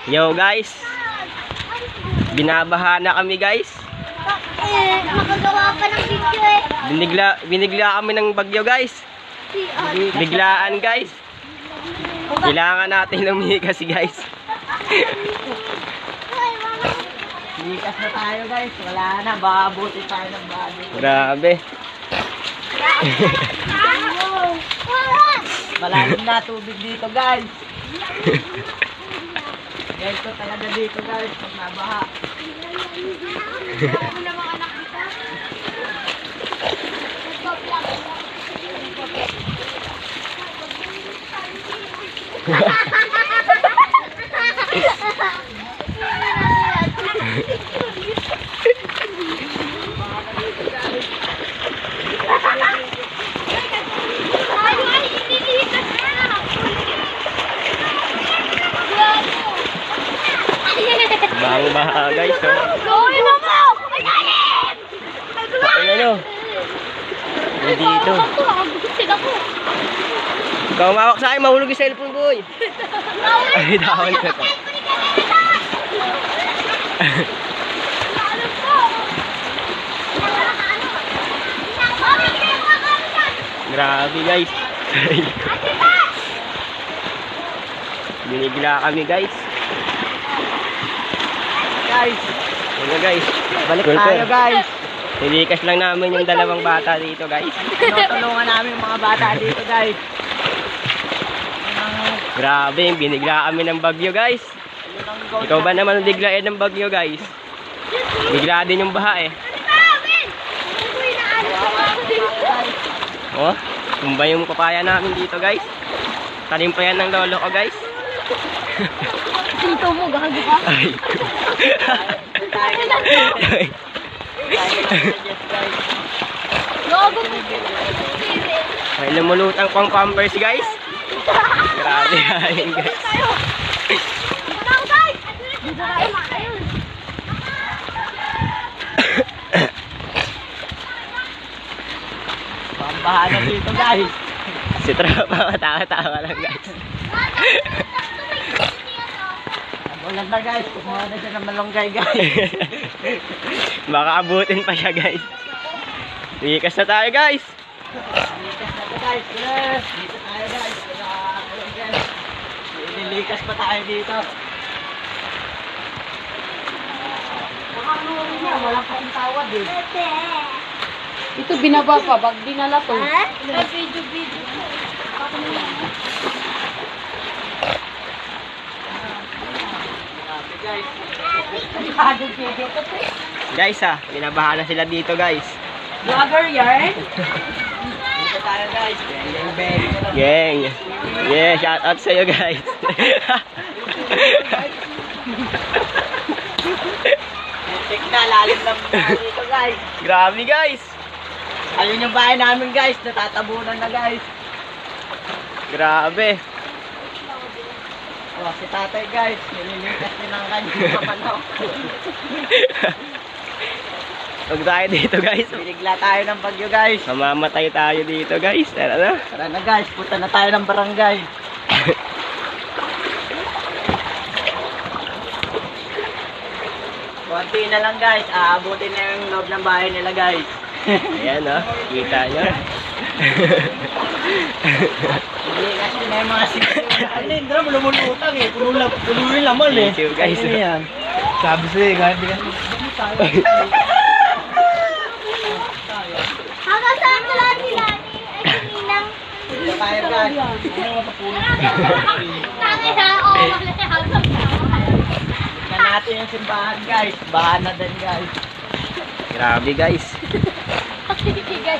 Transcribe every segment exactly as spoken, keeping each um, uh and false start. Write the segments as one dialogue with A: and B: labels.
A: Yo guys, binabaha na kami guys.
B: Eh, makagawa pa ng video eh.
A: Binigla, binigla kami ng bagyo guys. Biglaan guys. Kailangan natin lumikas guys.
C: Likas na tayo guys, wala na, babuti tayo ng bago.
A: Grabe.
C: Malalim na tubig dito guys. Guys, ko talaga dito guys, pag nabaha.
A: Bang baha guys, oh.
B: Gawin mo mo!
A: Ano ano? Dito.
B: Gusin ako.
A: Ikaw mawak sa akin, mahulog yung cellphone boy. Ay, dahon ko to. Grabe guys. Binigla kami guys.
C: Guys,
A: Ano guys?
C: balik
A: Cool,
C: tayo
A: cool.
C: guys.
A: Nilikas lang namin yung dalawang bata dito guys.
C: Tinutulungan namin yung mga bata dito guys.
A: Grabe, binigla kami ng bagyo guys. Ikaw ba naman ang biglain ng bagyo guys? Bigla din yung baha eh. Oh, tumba yung papaya namin dito guys. Tanim pa yan ng lolo ko guys.
B: Dito mo, gago ka.
A: Ay. Ay.
B: Gago mo.
A: May lumulutang pang pampers guys. Grabe yan guys.
B: Tara guys! Dito tayo makayon.
C: Pambaha na dito guys.
A: Si Tropa matawa-tawa lang guys.
C: Ulan na guys, kumuha na siya ng malunggay guys.
A: Baka abutin pa siya guys. Likas na tayo guys.
C: Likas na to guys, yes. Dito tayo guys. Nilikas pa tayo dito. Walang kasing tawad eh.
D: Ito binaba pa, bag dinala to.
B: Ha? Video, video.
C: Guys,
A: Guys ah, binabaha na sila dito guys.
C: vlogger yarn. Dito tayo guys. Bang bang bang.
A: Gang. Yeah, shout out sa iyo guys.
C: Tik na, lalim lang dito guys.
A: Grabe guys.
C: Ayun yung bahay namin guys, natatabunan na guys.
A: Grabe.
C: Oh, si tatay guys, nililikas din ang kanyang kapanaw.
A: Huwag tayo dito guys.
C: Binigla tayo ng bagyo guys.
A: Mamamatay tayo dito guys. Tara na.
C: Tara na guys, punta na tayo ng barangay. Konti na lang guys, aabutin na yung loob ng bahay nila guys.
A: Ayan oh, kita nyo.
C: Nilikas din na yung mga sityo. Ano yun, drum, lumulutang eh. Puno lang, puno yung laman eh.
A: Thank you, guys.
C: Ano yan? Sabi sa'yo, kahit di ka
B: Hanggang saan ko lang nila ni ay Ninang.
C: Dito tayo guys. Ano yung mapapuno?
B: Tangin na, oo, hanggang
C: Tignan natin yung simbahan guys. Bahan na din guys.
A: Grabe guys.
B: guys.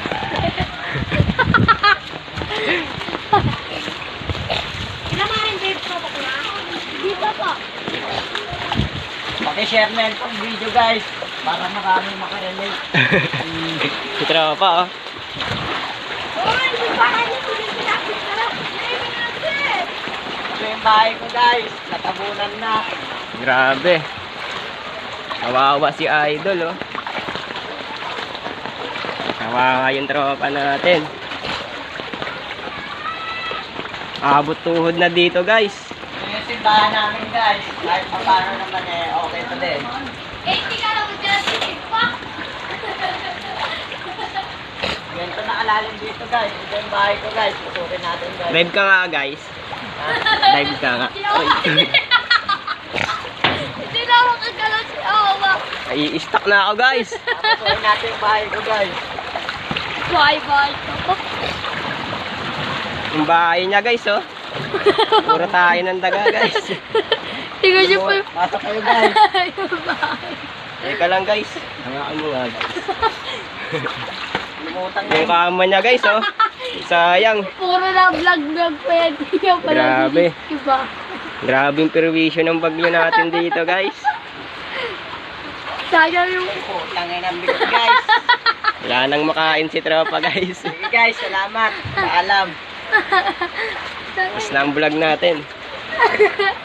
B: Kinamahin babe ko ba na? Dito po.
C: Paki-share na yung video guys. Para maraming makarelate.
A: Si Tropa oh.
B: Oy, simbahan niyo din pinakit na lang.
C: Ito yung bahay ko guys. Natabunan na.
A: Grabe. Kawawa si Idol oh. Kawawa yung tropa natin. Abot tuhod na dito guys.
C: Ayan si bahay namin guys. Kahit pa paano naman eh, okay to din.
B: Eh, hindi ka lang mag-titig pa.
C: Ganito na kalalim dito guys. Ito yung bahay ko guys. Pusukin natin guys.
A: Drive ka nga guys. Drive ka nga.
B: Hindi na ako kagalaw si Awa.
A: I-stuck na ako guys.
C: Pusukin natin yung bahay ko guys.
B: Bye-bye.
A: Yung bahay niya guys oh. Puro tayo ng daga guys.
B: Tingnan niyo po yung
C: Pasok kayo guys.
B: yung bahay.
A: Teka lang guys. Hangaan mo nga guys.
C: Lumutan na
A: Yung
C: yung
A: kama niya guys oh. Sayang.
B: Puro na vlog-vlog pa yan. Hindi niya pala
A: Grabe.
B: Diba?
A: Grabe yung perwisyo ng bagyo natin dito guys.
B: Sayang yung...
C: putang ina ng bigot guys.
A: Wala nang makain si tropa guys.
C: Sige guys, salamat. Paalam.
A: Tapos na ang vlog natin.